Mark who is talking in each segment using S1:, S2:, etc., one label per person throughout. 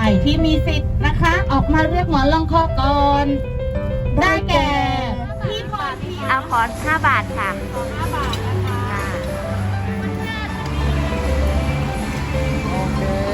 S1: ที่มีสิทธิ์นะคะ ออกมาเรียกหมอนรองคอก่อนได้แก่พี่พรพิยา
S2: เอาขอ5 บาทค่ะ
S1: 5 บาทนะคะ
S3: โอเค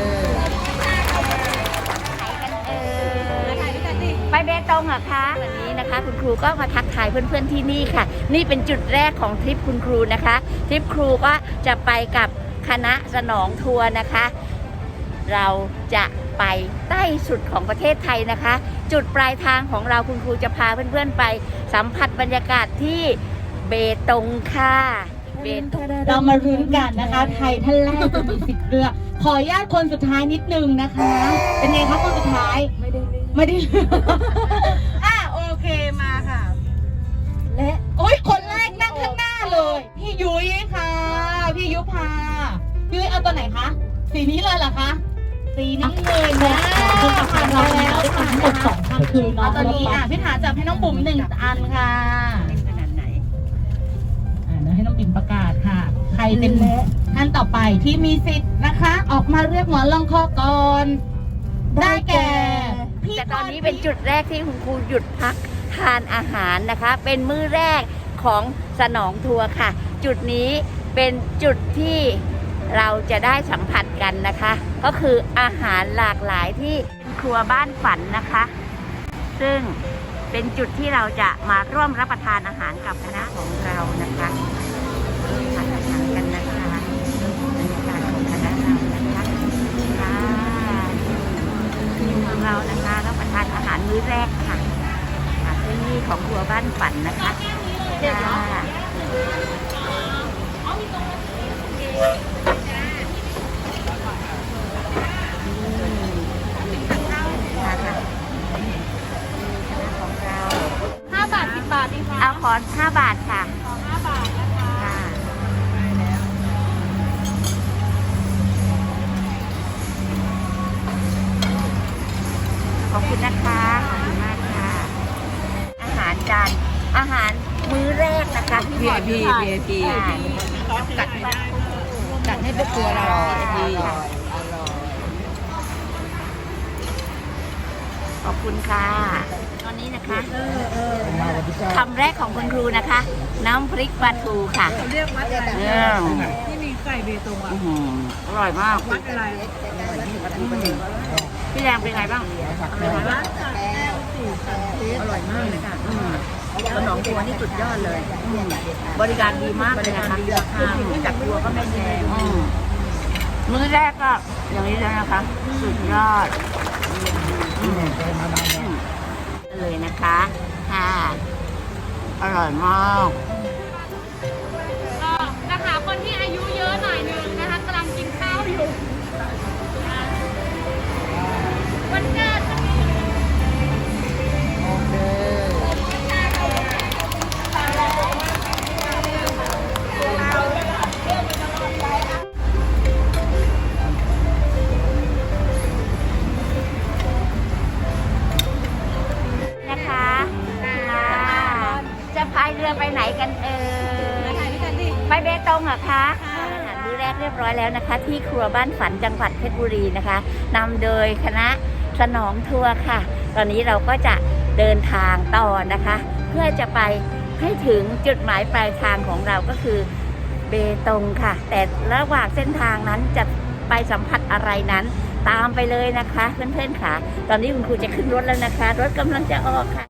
S2: ไปเบตงเหรอคะวันนี้นะคะคุณครูก็มาทักทายเพื่อนๆที่นี่ค่ะนี่เป็นจุดแรกของทริปคุณครูนะคะทริปครูก็จะไปกับคณะสนองทัวร์นะคะเราจะไปใต้สุดของประเทศไทยนะคะจุดปลายทางของเราคุณครูจะพาเพื่อนๆไปสัมผัสบรรยากาศที่เบตงค่ะเบตง
S1: เรามาลุ้นกันนะคะไทยท่านแรกจะมีสิทธิ์เลือกขออนุญาตคนสุดท้ายนิดนึงนะคะ เป็นไงคะคนสุดท้ายไม่ได้เลือกโอเคมาค่ะ และโอ้ยคนแรกนั่งข้างหน้าเลยพี่ยุ้ยค่ะพี่ยุพาพี่ยุ้ยเอาตัวไหนคะสีนี้เลยเหรอคะสีนี้เลยนะผ่านเราแล้วผ่านทั้งหมด2 ครั้งคือน้องตัวนี้พี่ถาจับให้น้องบุ๋ม1 อันค่ะ
S2: ขนาดไหน
S1: เดี๋ยวให้น้องบิ่มประกาศค่ะใครเป็นท่านต่อไปที่มีสิทธิ์นะคะ ออกมาเรียกหมอนรองคอก่อนได้แก่
S2: แต่ตอนนี้เป็นจุดแรกที่คุณครูหยุดพักทานอาหารนะคะเป็นมื้อแรกของสนองทัวร์ค่ะจุดนี้เป็นจุดที่เราจะได้สัมผัสกันนะคะก็คืออาหารหลากหลายที่ครัวบ้านฝันนะคะซึ่งเป็นจุดที่เราจะมาร่วมรับประทานอาหารกับคณะของเรานะคะทานอาหารกันนะคะบรรยากาศของคณะเรานะคะทีมของเรานะคะรับประทานอาหารมื้อแรกค่ะที่นี่ของครัวบ้านฝันนะคะ
S1: 5 บาท 10 บาทดีค่ะ
S2: เอาขอ5 บาทค่ะ
S1: ขอ5 บาทนะคะ
S2: ขอบคุณนะคะขอบคุณมากค่ะอาหารมื้อแรกนะคะ
S3: VIP กัดให้เป็นตัวเรา VIP
S2: ขอบคุณค่ะตอนนี้นะคะคำแรกของคุณครูนะคะ น้ำพริกปลาทูค่ะ
S3: เรียกวัดอะไรที่มีไก่เบตงอ่ะ
S2: อร่อยมาก
S3: วัดอะไร
S2: พี่แดงเป็นไงบ้างอร่อยมาก
S3: อร่อยมากเลยค่ะ
S2: สนองทัวร์นี่สุดยอดเลยบริการดีมากเลยนะคะจากทัวร์ก็ไม่แพงมื้อแรกก็อย่างนี้เลยนะคะสุดยอดเลยนะคะค่ะอร่อยมาก
S1: นะคะคนที่อายุเยอะหน่อยนึงนะคะกำลังกินข้าวอยู่วันเกิด
S3: โอเค
S2: จะพายเรือไปไหนกันไปเบตงเหรอคะอาหารมื้อแรกเรียบร้อยแล้วนะคะที่ครัวบ้านฝันจังหวัดเพชรบุรีนะคะนำโดยคณะสนองทัวร์ค่ะตอนนี้เราก็จะเดินทางต่อนะคะเพื่อจะไปให้ถึงจุดหมายปลายทางของเราก็คือเบตงค่ะแต่ระหว่างเส้นทางนั้นจะไปสัมผัสอะไรนั้นตามไปเลยนะคะเพื่อนๆค่ะตอนนี้คุณครูจะขึ้นรถแล้วนะคะรถกำลังจะออกค่ะ